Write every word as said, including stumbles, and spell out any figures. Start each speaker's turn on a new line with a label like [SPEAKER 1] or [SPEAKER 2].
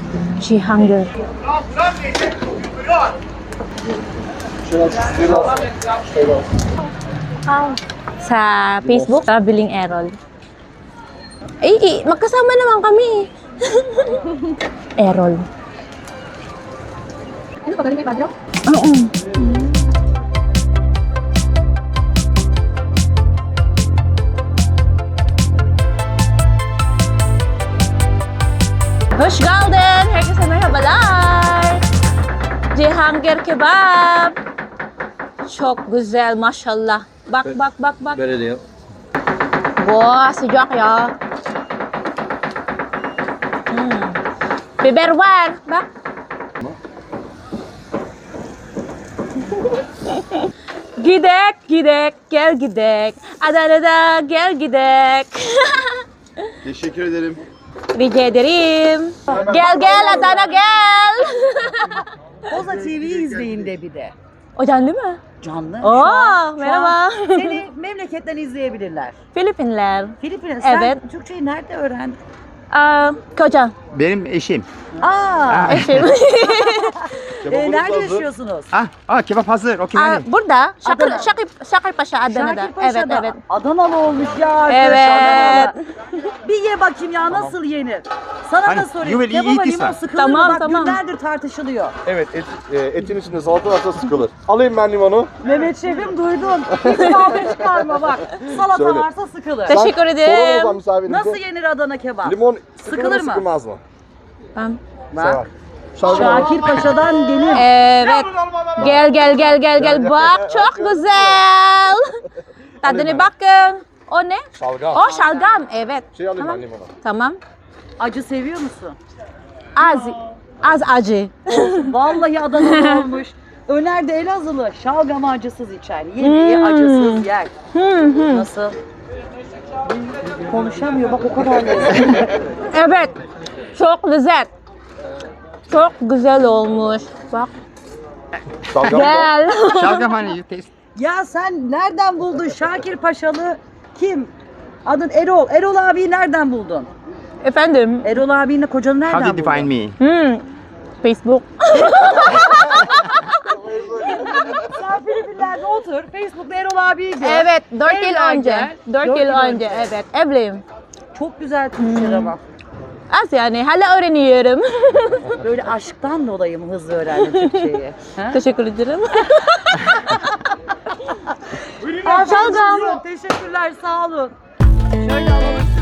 [SPEAKER 1] Cihangir. Sa Facebook, Traveling Errol. Ay, eh, magkasama naman kami. Errol. Ano pa, galing may bagyo? Oo. Hoş geldin. Herkese merhabalar. Cihangir kebap. Çok güzel maşallah. Bak bak bak bak.
[SPEAKER 2] Böyle diyor.
[SPEAKER 1] Wah, sıcak ya. Hmm. Biber var. Bak. Gidek, gidek, gel gidek. Adana'da gel gidek.
[SPEAKER 2] Teşekkür ederim.
[SPEAKER 1] Rica ederim. Gel gel Adana gel.
[SPEAKER 3] Koza T V'yi izleyin de bir de.
[SPEAKER 1] O canlı mı?
[SPEAKER 3] Canlı.
[SPEAKER 1] Oo,
[SPEAKER 3] Şu an- şu
[SPEAKER 1] merhaba.
[SPEAKER 3] an Seni memleketten izleyebilirler.
[SPEAKER 1] Filipinler.
[SPEAKER 3] Filipinler. Sen
[SPEAKER 1] Evet.
[SPEAKER 3] Türkçeyi nerede öğrendin?
[SPEAKER 1] Aa, koca.
[SPEAKER 4] Benim eşim.
[SPEAKER 3] Aa.
[SPEAKER 1] Eşim.
[SPEAKER 3] e, nerede yaşıyorsunuz?
[SPEAKER 4] Ah, ah kebap hazır. Okey.
[SPEAKER 1] Aa, burada. Şakir,
[SPEAKER 3] Adana.
[SPEAKER 1] Şakir, Şakir Paşa Adana'da. Evet,
[SPEAKER 3] Şakirpaşa'da.
[SPEAKER 1] evet.
[SPEAKER 3] Adanalı olmuş ya arkadaş.
[SPEAKER 1] Evet.
[SPEAKER 3] Adanalı. Bir ye bakayım ya nasıl yenir? Sana
[SPEAKER 4] Hani,
[SPEAKER 3] da sorayım.
[SPEAKER 4] you will eat
[SPEAKER 3] Kebaba
[SPEAKER 4] this
[SPEAKER 3] limon
[SPEAKER 4] one.
[SPEAKER 3] sıkılır
[SPEAKER 1] Tamam,
[SPEAKER 3] mı? Bak
[SPEAKER 1] tamam.
[SPEAKER 3] günlerdir tartışılıyor.
[SPEAKER 2] Evet, et, e, etin içinde salata varsa sıkılır. Alayım ben limonu.
[SPEAKER 3] Mehmet Şef'im duydun. Hiç kavga çıkarma bak. Salata
[SPEAKER 2] Söyle.
[SPEAKER 3] varsa sıkılır.
[SPEAKER 1] Teşekkür
[SPEAKER 2] Sorun o
[SPEAKER 1] ederim.
[SPEAKER 2] zaman misafirinize.
[SPEAKER 3] Nasıl yenir Adana kebap?
[SPEAKER 2] Limon sıkılır,
[SPEAKER 3] Sıkılır
[SPEAKER 2] mı
[SPEAKER 3] mı?
[SPEAKER 2] sıkılmaz mı?
[SPEAKER 1] Tamam.
[SPEAKER 3] Bak.
[SPEAKER 2] Sever.
[SPEAKER 3] Şakir Paşa'dan gelir.
[SPEAKER 1] Evet. Gel gel gel gel gel. Bak çok güzel. Tadına bakın. O ne?
[SPEAKER 2] Şalgam.
[SPEAKER 1] O şalgam. Evet.
[SPEAKER 2] Şey alayım
[SPEAKER 1] Tamam.
[SPEAKER 2] ben limonu.
[SPEAKER 1] Tamam.
[SPEAKER 3] Acı seviyor musun?
[SPEAKER 1] Az az acı.
[SPEAKER 3] Vallahi Adanalı olmuş. Öner de Elazığlı şalgamı acısız içer. Yemeği
[SPEAKER 1] Hmm.
[SPEAKER 3] acısız yer.
[SPEAKER 1] Hı hı.
[SPEAKER 3] Nasıl? Konuşamıyor bak o kadar lezzetli.
[SPEAKER 1] Evet. Çok güzel. Çok güzel olmuş. Bak.
[SPEAKER 2] Şalgam da.
[SPEAKER 1] Gel.
[SPEAKER 4] Şalgam hani you taste.
[SPEAKER 3] Ya sen nereden buldun Şakir Paşalı kim? Adın Erol. Erol abiyi nereden buldun?
[SPEAKER 1] Efendim.
[SPEAKER 3] Erol abinle kocanı
[SPEAKER 4] How
[SPEAKER 3] nereden
[SPEAKER 4] did you
[SPEAKER 3] buldun?
[SPEAKER 4] find me?
[SPEAKER 1] Hmm. Facebook.
[SPEAKER 3] Sen Filipinler'de otur. Facebook'ta Erol abiyi gör.
[SPEAKER 1] Evet. Dört yıl
[SPEAKER 3] Evlen
[SPEAKER 1] önce.
[SPEAKER 3] gel.
[SPEAKER 1] Dört
[SPEAKER 3] Dört
[SPEAKER 1] yıl
[SPEAKER 3] yıl
[SPEAKER 1] önce.
[SPEAKER 3] önce.
[SPEAKER 1] Evet. Evliyim.
[SPEAKER 3] Çok güzel Türkçe ama.
[SPEAKER 1] Az yani. Hala öğreniyorum.
[SPEAKER 3] Böyle aşktan dolayı mı hızlı öğrendin Türkçeyi? Ha?
[SPEAKER 1] Teşekkür ederim.
[SPEAKER 3] Şalgam. Teşekkürler sağ olun. Şöyle alalım.